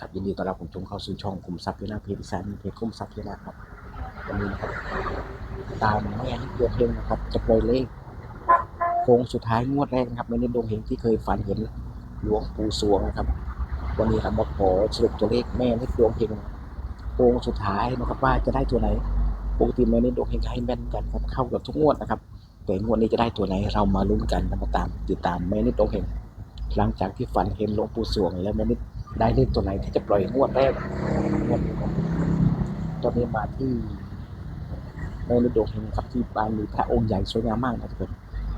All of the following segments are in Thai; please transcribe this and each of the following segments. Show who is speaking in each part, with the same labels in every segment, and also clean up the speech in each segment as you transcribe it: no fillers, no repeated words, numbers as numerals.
Speaker 1: ครับยินดีต้อนรับคุณผู้ชมเข้าสู่ช่องคุมทรัพย์พินาเพจอีสานเพจคุมทรัพย์พินาครับวันนี้นะครับตามแม่นิดดวงเฮงนะครับจะปล่อยเลขโค้งสุดท้ายงวดแรกนะครับแม่นิดดวงเฮงที่เคยฝันเห็นหลวงปู่สวงนะครับวันนี้ครับมาขอสรุปตัวเลขแม่นิดดวงเฮงโค้งสุดท้ายนะครับว่าจะได้ตัวไหนปกติแม่นิดดวงเฮงให้แม่นกันครับเข้ากับทุกงวดนะครับแต่งวดนี้จะได้ตัวไหนเรามาลุ้นกันมาติดตามแม่นิดดวงเฮงหลังจากที่ฝันเห็นหลวงปู่สวงแล้วแม่นิดได้เลขตัวไหนที่จะปล่อยงวดแรกงวดนี้ครับตอนนี้มาที่ในฤดูแห่งครับที่ปางมีพระองค์ใหญ่สวยงามมากนะครับผม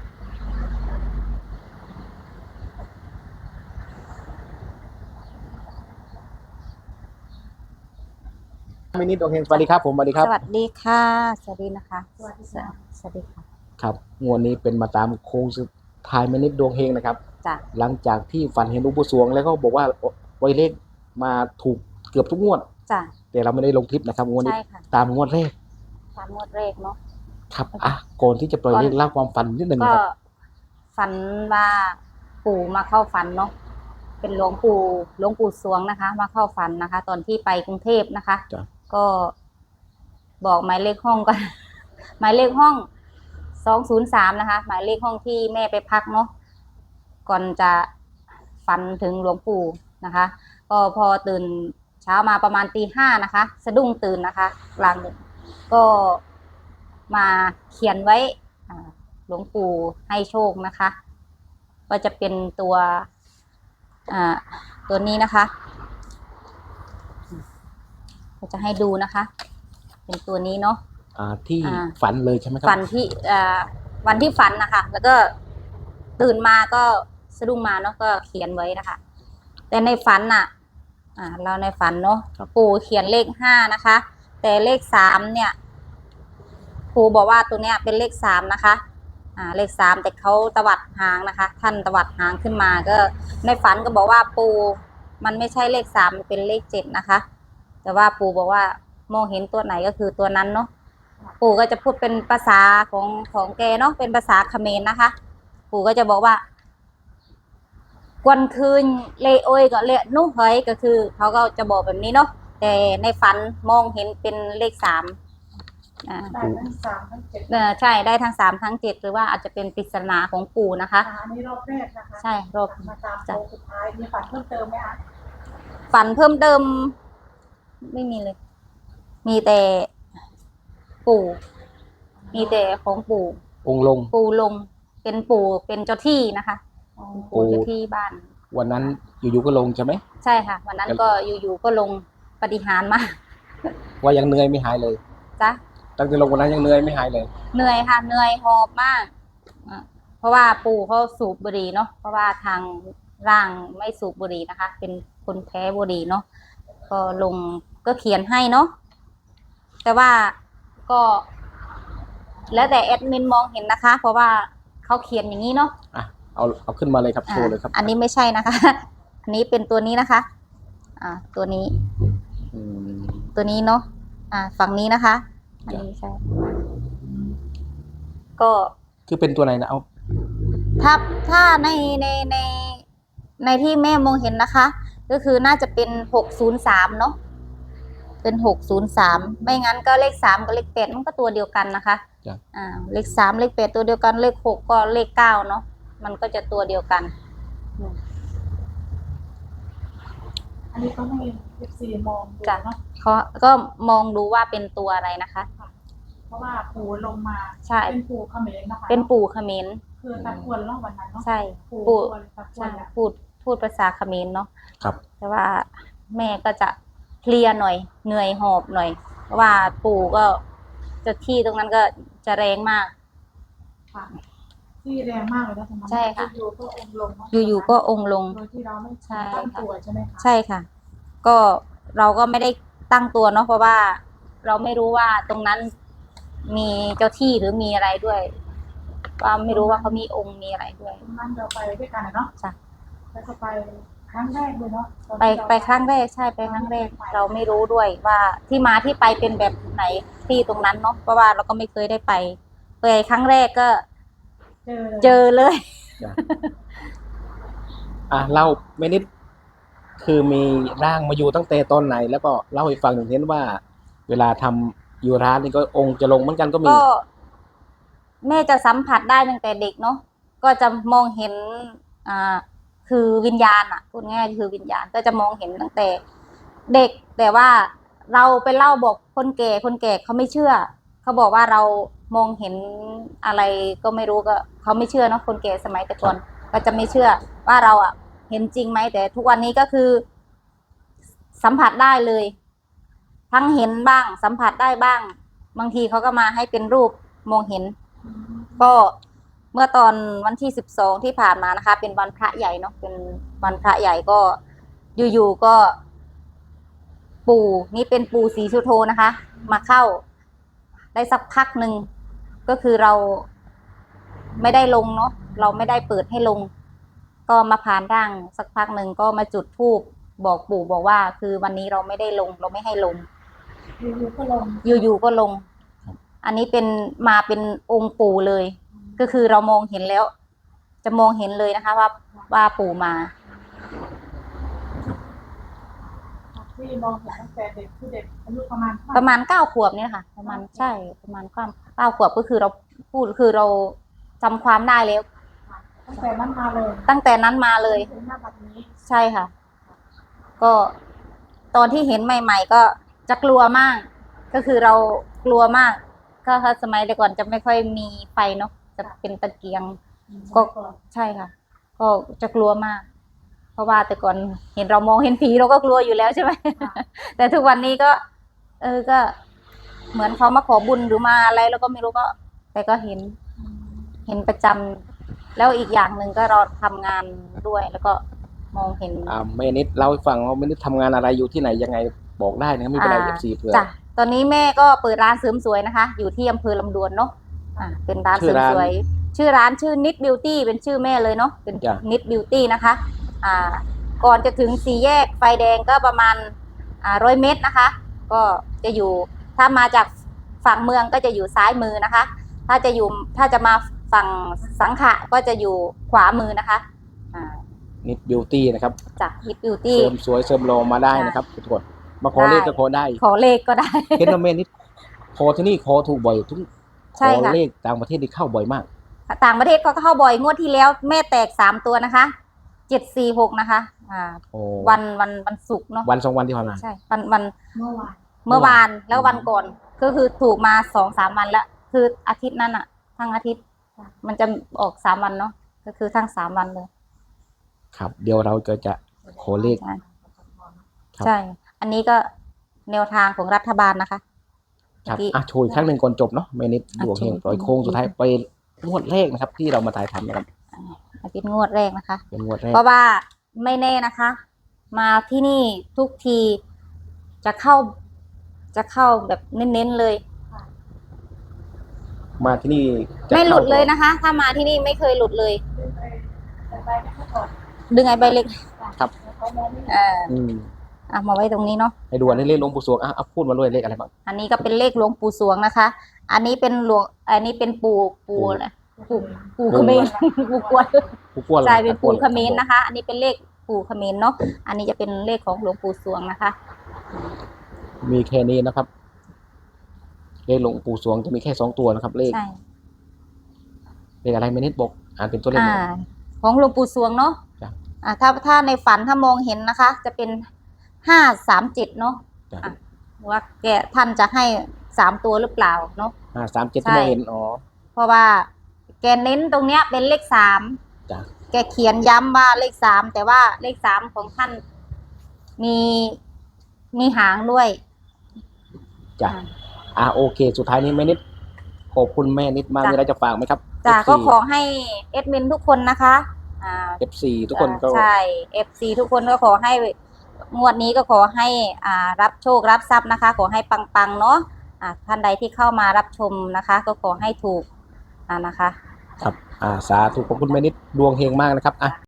Speaker 1: มินิดวงเฮงสวัสดีครับผมสวัสดีครับ
Speaker 2: สวัสดีค่ะสวัสดีนะคะสวัสดีค่ะสวัสดีค่ะ
Speaker 1: ครับงวดนี้เป็นมาตามโค้งสุดท้ายมินิดวงเฮงนะครับ
Speaker 2: จ้ะ
Speaker 1: หลังจากที่ฝันเห็นหลวงปู่สวงแล้วก็บอกว่าไว้เลขมาถูกเกือบทุกงวด
Speaker 2: จ้ะ
Speaker 1: แต่เราไม่ได้ลงคลิปนะครับงวดนี้
Speaker 2: ใช่ค่ะ
Speaker 1: ตามงวดแรก
Speaker 2: ตามงวดแรกเนาะ
Speaker 1: ครับก่อนที่จะปล่อยเลขเล่าความฝันนิดหนึ่ง
Speaker 2: ก็
Speaker 1: นะครับ
Speaker 2: ฝันว่าปู่มาเข้าฝันเนาะเป็นหลวงปู่สวงนะคะ มาเข้าฝันนะคะ ตอนที่ไปกรุงเทพนะคะ ก็บอกหมายเลขห้องก็ หมายเลขห้อง203นะคะ หมายเลขห้องที่แม่ไปพักเนาะก่อนจะฝันถึงหลวงปู่นะคะ ก็พอตื่นเช้ามาประมาณตี 5นะคะ สะดุ้งตื่นนะคะกลางดึกก็มาเขียนไว้หลวงปู่ให้โชคนะคะ ก็จะเป็นตัวนี้นะคะก็จะให้ดูนะคะ เป็นตัวนี้เนาะ
Speaker 1: ที่ฝันเลยใช่ไหมครับ
Speaker 2: ฝันที่วันที่ฝันนะคะแล้วก็ตื่นมาก็สะดุ้งมาเนาะก็เขียนไว้นะคะแต่ในฝันเราในฝันเนาะปู่เขียนเลข5นะคะแต่เลข3เนี่ยปู่บอกว่าตัวเนี้ยเป็นเลข3นะคะเลข3แต่เขาตวัดหางนะคะท่านตวัดหางขึ้นมาก็ในฝันก็บอกว่าปู่มันไม่ใช่เลข3มันเป็นเลข7นะคะแต่ว่าปู่บอกว่ามองเห็นตัวไหนก็คือตัวนั้นเนาะปู่ก็จะพูดเป็นภาษาของแกเนาะเป็นภาษาเขมรนะคะปู่ก็จะบอกว่ากวนคืนเลโอยก็เลนุ่งเฮยก็คือเขาก็จะบอกแบบนี้เนาะแต่ในฝันมองเห็นเป็นเลข3
Speaker 3: ได้ทั้ง3ทั้ง7
Speaker 2: ใช่ได้ทั้ง3ทั้ง7หรือว่าอาจจะเป็นปริศนาของปู่นะคะ
Speaker 3: อันนี้รอบแรกนะคะ
Speaker 2: ใช่รอบ
Speaker 3: มาตามโค้งสุดท้ายมีฝันเพิ่มเติมไหมคะ
Speaker 2: ฝันเพิ่มเติมไม่มีเลย มีแต่ปู่มีแต่ของปู่
Speaker 1: องค์ลง
Speaker 2: ปู่ลงเป็นปู่เป็นเจ้าที่นะคะปู่เจ้าที่บ้าน
Speaker 1: วันนั้นอยู่ๆก็ลงใช่ไหม
Speaker 2: ใช่ค่ะวันนั้นก็อยู่ๆก็ลงปฏิหารมา
Speaker 1: ว่ายังเหนื่อยไม่หายเลย
Speaker 2: จ้ะ
Speaker 1: ตั้งแต่ลงวันนั้นยังเหนื่อยไม่หายเลย
Speaker 2: เหนื่อยค่ะเหนื่อยหอบมากเพราะว่าปู่เขาสูบบุหรี่เนาะเพราะว่าทางร่างไม่สูบบุหรี่นะคะ เป็นคนแพ้บุหรี่เนาะก็ลงก็เขียนให้เนาะแต่ว่าก็แล้วแต่แอดมินมองเห็นนะคะ เพราะว่าเขาเขียนอย่างนี้เนาะ
Speaker 1: เอาขึ้นมาเลยครับโชว์เลยครับ
Speaker 2: อันนี้ไม่ใช่นะคะ อันนี้เป็นตัวนี้นะคะตัวนี้ตัวนี้เนาะฝั่งนี้นะคะอันนี้ไม่ใช่ก็
Speaker 1: คือเป็นตัวไหนนะเอา
Speaker 2: ถ้าในที่แม่มองเห็นนะคะ ก็คือน่าจะเป็น603เนาะเป็น603ไม่งั้นก็เลข3กับเลข8มันก็ตัวเดียวกันนะคะเลข3เลข8ตัวเดียวกันเลข6ก็เลข9เนาะมันก็จะตัวเดียวกัน
Speaker 3: อันนี้ก็ให้ FC มองดูเนาะ
Speaker 2: เขาก็มองดูว่าเป็นตัวอะไรนะคะ
Speaker 3: เพราะว่าปู่ลงมาเป็นปู่เขมรนะคะ
Speaker 2: เป็นปู่เขมร
Speaker 3: คือตะกวนเนาะวันนั้นเนาะ
Speaker 2: ใช่
Speaker 3: ปู่
Speaker 2: พูดภาษาเขมรเนาะ
Speaker 1: ครับ
Speaker 2: แต่ว่าแม่ก็จะเพลียหน่อยเหนื่อยหอบหน่อยเพราะว่าปู่ก็จะที่ตรงนั้นก็จะแรงมาก
Speaker 3: ค่ะที่แรงมากเลยนะ
Speaker 2: ใช่ค่ะ
Speaker 3: อยู่ก็องค์ลง
Speaker 2: อยู่ก็องค์ลง
Speaker 3: โดยที่เราไม่ตั้งตัวใช่ไหมคะ
Speaker 2: ใช่ค่ะก็เราก็ไม่ได้ตั้งตัวเนาะเพราะว่าเราไม่รู้ว่าตรงนั้นมีเจ้าที่หรือมีอะไรด้วยว่าไม่รู้ว่าเขามีองค์มีอะไรด้วย
Speaker 3: นั่นเราไปด้วยกันเนาะ
Speaker 2: จ้ะ
Speaker 3: แล้วก็ไปครั้งแรกเลยเนาะ
Speaker 2: ไปครั้งแรกใช่ไปครั้งแรกเราไม่รู้ด้วยว่าที่มาที่ไปเป็นแบบไหนที่ตรงนั้นเนาะเพราะว่าเราก็ไม่เคยได้ไปครั้งแรกก็เจอเลย
Speaker 1: เล่าไม่นิดคือมีร่างมาอยู่ตั้งแต่ตอนไหน แล้วก็เล่าให้ฟังถึงเห็นว่า เวลาทำอยู่ร้านนี่ก็องค์จะลงเหมือนกันก็มี
Speaker 2: ก็แม่จะสัมผัสได้ตั้งแต่เด็กเนาะก็จะมองเห็นคือวิญญาณอ่ะพูดง่ายๆคือวิญญาณก็จะมองเห็นตั้งแต่เด็ก แต่ว่าเราไปเล่าบอกคนแก่เขาไม่เชื่อเขาบอกว่าเรามองเห็นอะไรก็ไม่รู้ก็เขาไม่เชื่อเนาะคนแก่สมัยแต่ก่อนก็จะไม่เชื่อว่าเราอ่ะเห็นจริงไหมแต่ทุกวันนี้ก็คือสัมผัสได้เลย ทั้งเห็นบ้างสัมผัสได้บ้าง บางทีเขาก็มาให้เป็นรูปมองเห็น ก็เมื่อตอนวันที่12ที่ผ่านมานะคะ เป็นวันพระใหญ่เนาะเป็นวันพระใหญ่ก็อยู่ๆก็ปู่นี่เป็นปู่ศรีสุโธนะคะ มาเข้าได้สักพักหนึ่งก็คือเราไม่ได้ลงเนาะเราไม่ได้เปิดให้ลง ก็มาผ่านร่างสักพักหนึ่งก็มาจุดธูปบอกปู่บอกว่า คือวันนี้เราไม่ได้ลงเราไม่ให้ลง
Speaker 3: อยู่ๆก็ลง
Speaker 2: อยู่ๆก็ลง อันนี้เป็นมาเป็นองค์ปู่เลย ก็คือเรามองเห็นแล้ว จะมองเห็นเลยนะคะว่าปู่มา
Speaker 3: ที่มองเห็นตั้งแต่เด็กคือเด็กอายุประมาณ
Speaker 2: ประมาณ9 ขวบเนี่ยค่ะ ประมาณใช่ประมาณ9 ขวบก็คือเราพูดคือเราจำความได้แล้ว
Speaker 3: ตั้งแต่นั้นมาเลย
Speaker 2: ตั้งแต่นั้นมาเลย
Speaker 3: ถึงหน้าบัดนี้
Speaker 2: ใช่ค่ะ ก็ตอนที่เห็นใหม่ ๆ ก็จะกลัวมาก ก็คือเรากลัวมาก ก็ถ้าสมัยแต่ก่อนจะไม่ค่อยมีไฟเนาะจะเป็นตะเกียง ก็ใช่ค่ะ ก็จะกลัวมาก เพราะว่าแต่ก่อนเห็นเรามองเห็นผีเราก็กลัวอยู่แล้วใช่ไหม แต่ทุกวันนี้ก็ ก็เหมือนเขามาขอบุญหรือมาอะไรแล้วก็ไม่รู้ก็ แต่ก็เห็นประจำแล้วอีกอย่างหนึ่งก็เราทำงานด้วย แล้วก็มองเห็น
Speaker 1: แม่นิดเล่าให้ฟังว่าแม่นิดทำงานอะไรอยู่ที่ไหนยังไงบอกได้นะครับไม่เป็นไร FC เผื่อ
Speaker 2: จ้ะตอนนี้แม่ก็เปิดร้านเสริมสวยนะคะ อยู่ที่อำเภอลำดวนเนาะเป็นร้านเสริมสวย ชื่อร้านชื่อนิดบิวตี้เป็นชื่อแม่เลยเนาะเป็น
Speaker 1: จ้ะ
Speaker 2: นิดบิวตี้นะคะ ก่อนจะถึง4 แยกไฟแดงก็ประมาณ100 เมตรนะคะ ก็จะอยู่ถ้ามาจากฝั่งเมืองก็จะอยู่ซ้ายมือนะคะ ถ้าจะมาฝั่งสังขะก็จะอยู่ขวามือนะคะ
Speaker 1: นิดบิวตี้นะครับ
Speaker 2: จากนิดบิวตี้
Speaker 1: เสริมสวยเสริมหล่อมาได้นะครับทุกคนมาขอเลขก็ขอได้
Speaker 2: ขอเลขก็ได้
Speaker 1: เห็นว่าแม่นิดขอที่นี่ขอถูกบ่อยทุก
Speaker 2: ใช่
Speaker 1: ขอ
Speaker 2: ค่ะ
Speaker 1: เลขต่างประเทศนี่เข้าบ่อยมาก
Speaker 2: ต่างประเทศก็เข้าบ่อยงวดที่แล้วแม่แตก3 ตัวนะคะ746นะคะ
Speaker 1: โอ้
Speaker 2: วันศุกร์เนาะ
Speaker 1: วัน2 วันที่ผ่านมา
Speaker 2: ใช่วัน
Speaker 3: เมื่อวาน
Speaker 2: เมื่อวานแล้ววันก่อนก็คือถูกมา2-3 วันแล้วคืออาทิตย์นั้นอะทั้งอาทิตย์ มันจะออก3 วันเนาะก็คือทั้ง3 วันเลย
Speaker 1: ครับ เดี๋ยวเราจะขอเลข
Speaker 2: ใช่
Speaker 1: ครับ
Speaker 2: ใช่ อันนี้ก็แนวทางของรัฐบาลนะคะ
Speaker 1: ครับ
Speaker 2: เมื่อกี้
Speaker 1: โชว์อีกครั้งหนึ่งก่อนจบเนาะแม่นิดดวงเฮง
Speaker 2: โชว์
Speaker 1: ปล่อยโค้งสุดท้ายไปงวดแรกนะครับ ที่เรามาถ่ายทำนะครับ
Speaker 2: อาทิตย์งวดแรกนะคะ
Speaker 1: เป็นงวดแรก
Speaker 2: เพราะว่าไม่แน่นะคะ มาที่นี่ทุกทีจะเข้าแบบเน้นๆเลย
Speaker 1: มาที่นี่จะ
Speaker 2: ไม่หลุดเลย
Speaker 1: ข้า
Speaker 2: นะคะ ถ้ามาที่นี่ไม่เคยหลุดเลย
Speaker 3: ไปไม่ก่อน
Speaker 2: ดึงไอ้ใบเล็ก
Speaker 1: ครับ
Speaker 3: เขามองไม่เห็น
Speaker 1: อืม
Speaker 2: มาไว้ตรงนี้เนาะ
Speaker 1: ให้ดูอันนี้เลขหลวงปู่สวงเอาพูดมาเลยเลขอะไรบ้าง
Speaker 2: อันนี้ก็เป็นเลขหลวงปู่สวงนะคะ อันนี้เป็นอันนี้เป็นปู่อะไรปู่เขมร ปู่กวน
Speaker 1: ปู่ป้วน
Speaker 2: ใช่เป็นปู่เขมร
Speaker 1: นะ
Speaker 2: นะคะ อันนี้เป็นเลขปู่เขมรเนาะ อันนี้จะเป็นเลขของหลวงปู่สวงนะคะ
Speaker 1: มีแค่นี้นะครับ เลขหลวงปู่สวงจะมีแค่2 ตัวนะครับ เลข
Speaker 2: ใช่
Speaker 1: เลขอะไรแม่นิดบอกอ่านเป็นตัวเลขหน่อย
Speaker 2: ของหลวงปู่สวงเนาะ
Speaker 1: จ้ะ
Speaker 2: ถ้าในฝันถ้ามองเห็นนะคะ จะเป็น537เนาะ
Speaker 1: จ้ะ
Speaker 2: ว่าแกท่านจะให้3 ตัวหรือเปล่าเนาะ
Speaker 1: 3 7
Speaker 2: ใช่
Speaker 1: ที่มองเห็นอ๋อ
Speaker 2: เพราะว่าแกเน้นตรงเนี้ยเป็นเลข3
Speaker 1: จ้ะ
Speaker 2: แกเขียนย้ำว่าเลข3แต่ว่าเลข3ของท่านมีหางด้วย
Speaker 1: จ้ะโอเค สุดท้ายนี้แม่นิดขอบคุณแม่นิดมาก
Speaker 2: จ้ะ
Speaker 1: มีอะไรจะฝากไหมครับ
Speaker 2: จ้ะ
Speaker 1: FC
Speaker 2: ก็ขอให้เอดมินทุกคนนะคะ
Speaker 1: FC ทุกคนก็
Speaker 2: ใช่ FC ทุกคนก็ขอให้งวดนี้ก็ขอให้รับโชครับทรัพย์นะคะ ขอให้ปังๆเนาะท่านใดที่เข้ามารับชมนะคะ ก็ขอให้ถูกนะคะ
Speaker 1: ครับสาธุขอบคุณแม่นิดดวงเฮงมากนะครับ